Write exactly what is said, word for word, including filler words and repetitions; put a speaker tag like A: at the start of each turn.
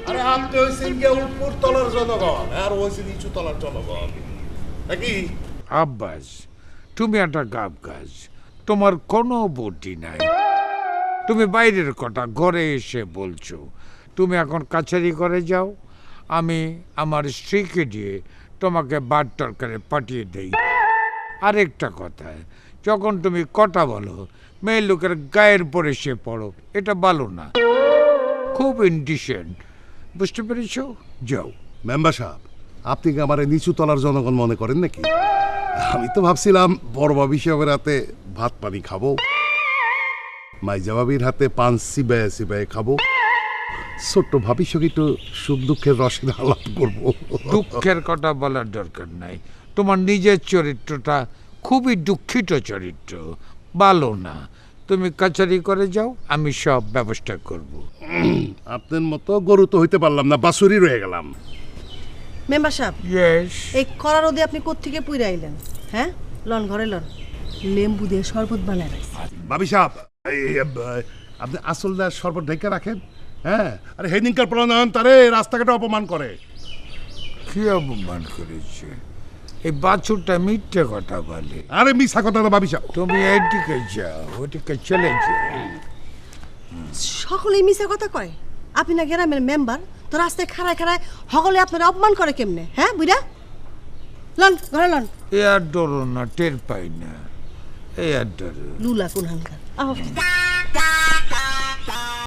A: আরে আপনি হইছেন গিয়ে উপর তলার জনগণ আর হইছে নিচু তলার জনগণ নাকি?
B: আব্বাস, তুমি একটা গাব গাছ, তোমার কোনো বুদ্ধি নাই। তুমি বাইরের কথা ঘরে এসে বলছো। তুমি এখন কাছারি করে যাও, আমি আমার স্ত্রীকে দিয়ে তোমাকে বাদ তরকারি পাঠিয়ে দেই। আরেকটা কথা, যখন তুমি কথা বলো মেয়ে লোকের গায়ের পরে সে পড়ো, এটা ভালো না, খুব ইনডিসেন্ট, বুঝতে পেরেছ? যাও।
A: মেম্বার সাহেব, আপনি কি আমার নিচু তলার জনগণ মনে করেন নাকি? আমি তো ভাবছিলাম বড় ভাবি সাহেবের হাতে ভাত পানি খাবো, মাইজা ভাবির হাতে পান সিবায় সিবায় খাবো, ছোট্ট ভাবির সঙ্গে একটু সুখ দুঃখের রসের আলাপ করবো।
B: দুঃখের কথা বলার দরকার নাই, তোমার নিজের চরিত্রটা খুবই দুঃখিত চরিত্র, ভালো না। তুমি কাছারি করে যাও, আমি সব ব্যবস্থা করব।
A: আপনার মতো গরু তো হইতে পারলাম না, বাছুরি রয়ে গেলাম।
C: মেম্বার সাহেব,
B: ইয়েস।
C: এই কড়া রোদে আপনি কোত্থেকে পুইরা আইলেন? হ্যাঁ, লন ঘরে লন, লেম্বু দিয়ে শরবত বানায় রাখছি।
A: ভাবি সাহেব, এই, এই, আপনি আসলদার শরবত ঢেকে রাখেন। হ্যাঁ, আরে হেদিনকার প্রণয়ন তারে রাস্তাঘাটে অপমান করে।
B: কি অপমান করেছে? এই বাছুরটা মিথ্যে কথা বলে।
A: আরে মিশা কথা না ভাবি সাহেব।
B: তুমি এইদিকে যাও, ওদিকে চলে যাও।
C: সকলেই মিশা কথা কয়। আপনি না গ্রামের মেম্বার, তো রাস্তায় খাড়ায় খাড়ায় সকলে আপনার অপমান করে কেমনে? হ্যাঁ বুইরা, লন ঘরে লন।
B: এ আর ডরো না, টের পাই না, এ আর ডরো।
C: লুলা কোন হানকার।